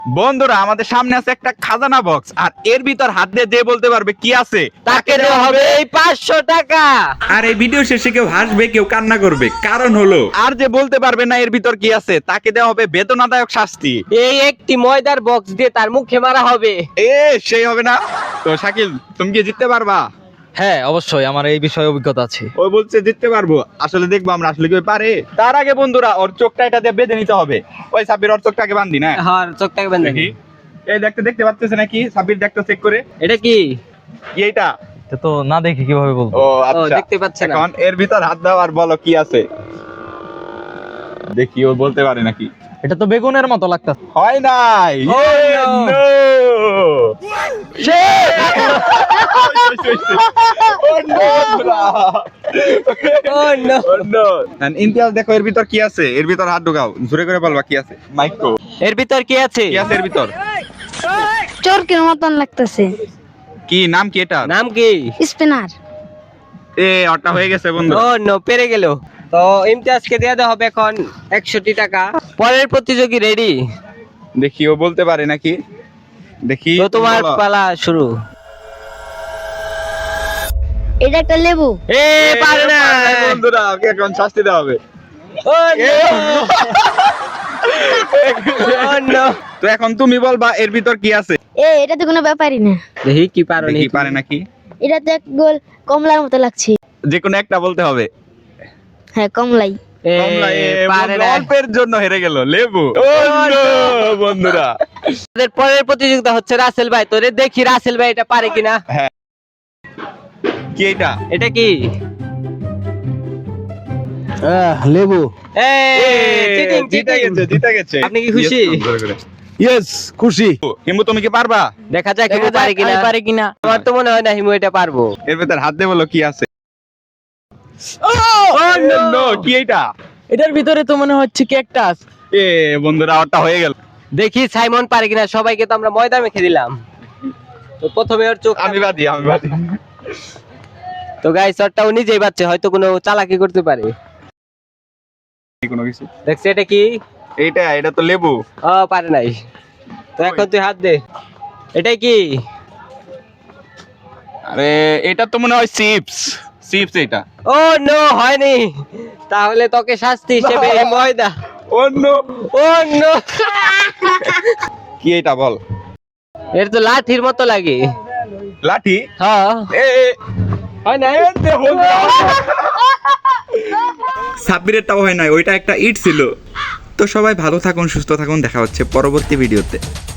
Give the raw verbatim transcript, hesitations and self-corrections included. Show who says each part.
Speaker 1: বন্ধুরা আমাদের সামনে আছে একটা খাজানা বক্স, আর এর ভিতর হাত দিয়ে যে বলতে পারবে কি আছে
Speaker 2: তাকে দেওয়া হবে এই পাঁচশো টাকা।
Speaker 3: আর এই ভিডিও শেষে কেউ হাসবে, কেউ কান্না করবে, কারণ হলো
Speaker 1: আর যে বলতে পারবে না এর ভিতর কি আছে তাকে দেওয়া হবে বেদনাদায়ক শাস্তি।
Speaker 2: এই একটি ময়দার বক্স দিয়ে তার মুখে মারা হবে।
Speaker 1: এ সেই হবে না তো। শাকিল, তুমি কি জিততে পারবা?
Speaker 4: হ্যাঁ অবশ্যই, আমার এই বিষয়ে অভিজ্ঞতা আছে।
Speaker 1: ওই বলছে জিততে পারবো, আসলে দেখবো আমরা আসলে কেউ পারে। তার আগে বন্ধুরা ওর চোখটা এটা দিয়ে বেঁধে নিতে হবে। ওই সাব্বির ওর চোখটাকে বান্ধি না।
Speaker 2: হ্যাঁ, চোখটাকে বেঁধে
Speaker 1: দেখি এই দেখতে দেখতে পাচ্ছেছ নাকি? সাব্বির দেখতে চেক করে।
Speaker 2: এটা কি?
Speaker 1: কি এইটা?
Speaker 4: এটা তো না দেখি কিভাবে বলবো।
Speaker 1: ও
Speaker 2: ও,
Speaker 1: আচ্ছা,
Speaker 2: দেখতে পাচ্ছে না।
Speaker 1: এখন এর ভিতর হাত দাও আর বলো কি আছে। দেখি ও বলতে পারে নাকি।
Speaker 4: এটা তো বেগুনের মতো লাগতেছে।
Speaker 1: হয় নাই।
Speaker 2: Oh,
Speaker 1: Yay,
Speaker 2: no.
Speaker 1: no. Oh, no, বন্ধুরা।
Speaker 2: Oh, no.
Speaker 1: Oh, no. And Imtiaz দেখো এর ভিতর কি আছে। এর ভিতর হাত ঢোকাও, জোরে করে বলবা কি আছে। মাইক্রো
Speaker 2: এর ভিতর কি আছে?
Speaker 1: কি আছে এর ভিতর?
Speaker 5: চোরকের মতন লাগতেছে।
Speaker 1: কি নাম কি এটা?
Speaker 2: নাম কি?
Speaker 5: স্পিনার।
Speaker 1: এ ওটা হয়ে গেছে বন্ধু।
Speaker 2: ও নো, পেরে গেল। তো ইমতিয়াজকে দেওয়া দেওয়া হবে এখন একশোটি টাকা। পরের প্রতিযোগী রেডি?
Speaker 1: দেখি ও বলতে পারে নাকি। দেখি
Speaker 2: তো তোমার
Speaker 1: বলো।
Speaker 2: পালা শুরু।
Speaker 5: এটা একটা লেবু।
Speaker 2: এ পারে না।
Speaker 1: বন্ধুরা ওকে এখন শাস্তি দেওয়া হবে।
Speaker 2: Oh no.
Speaker 1: তো এখন তুমি বলবা এর ভিতর কি আছে।
Speaker 5: এ এটা তো কোনো ব্যাপারই না।
Speaker 2: দেখি কি পারো
Speaker 1: দেখি পারে নাকি।
Speaker 5: এটা তো এক গোল কমলার মতো লাগছে।
Speaker 1: যে কোনো একটা বলতে হবে।
Speaker 5: হ্যাঁ, কমলাই।
Speaker 1: কমলা, এ
Speaker 2: পারে
Speaker 1: বন্ধু
Speaker 2: না।
Speaker 1: অল্পের জন্য হেরে গেল। লেবু। ও no, বন্ধুরা
Speaker 2: আমাদের পরের প্রতিযোগিতা হচ্ছে রাসেল ভাই। তোরে দেখি রাসেল ভাই এটা পারে কিনা।
Speaker 1: কি এটা?
Speaker 2: এটা কি?
Speaker 4: লেবু।
Speaker 2: এ চিটিং
Speaker 1: জিতে
Speaker 2: চিটিং।
Speaker 1: গেছে, জিতে গেছে।
Speaker 2: আপনি কি খুশি?
Speaker 1: Yes, ধরে করে।
Speaker 4: ইয়েস, খুশি।
Speaker 1: হিমু তুমি কি পারবা?
Speaker 2: দেখা যাক হিমু পারে কিনা।
Speaker 4: পারে কিনা।
Speaker 2: আমার তো মনে হয় না হিমু এটা পারবো।
Speaker 1: এর ভিতর হাত দিয়ে বলো কি আছে।
Speaker 2: Oh,
Speaker 1: No, কি এটা?
Speaker 4: এটার ভিতরে তো মনে হচ্ছে ক্যাকটাস।
Speaker 1: এ বন্ধুরা ওটা হয়ে গেল।
Speaker 2: দেখি সাইমন পারে কিনা। সবাইকে তো আমরা ময়দা মেখে দিলাম। তো প্রথমে ওর চোখ।
Speaker 1: আমি বাদি, আমি বাদি।
Speaker 2: তো গাইস ওরটা ও নিজেই বাচ্চা, হয়তো কোনো চালাকি করতে পারে।
Speaker 1: কোনো কিছু।
Speaker 2: দেখছি এটা কি?
Speaker 1: এইটা এটা তো লেবু।
Speaker 2: ও পারে নাই। তো এখন তুই হাত দে। এটাই কি?
Speaker 1: আরে এটা তো মনে হয় চিপস। চিপস এটা।
Speaker 2: ও নো, হয়নি। তাহলে তোকে শাস্তি হিসেবে এই ময়দা।
Speaker 1: Oh no.
Speaker 2: Oh no.
Speaker 1: কি এটা বল।
Speaker 2: এর তো লাঠির মতো লাগে।
Speaker 1: লাঠি।
Speaker 2: হ্যাঁ,
Speaker 1: এ এ,
Speaker 2: হয় না?
Speaker 3: সাব্বিরেরটাও হয় নাই, ওইটা একটা ইট ছিল। তো সবাই ভালো থাকুন, সুস্থ থাকুন, দেখা হচ্ছে পরবর্তী ভিডিওতে।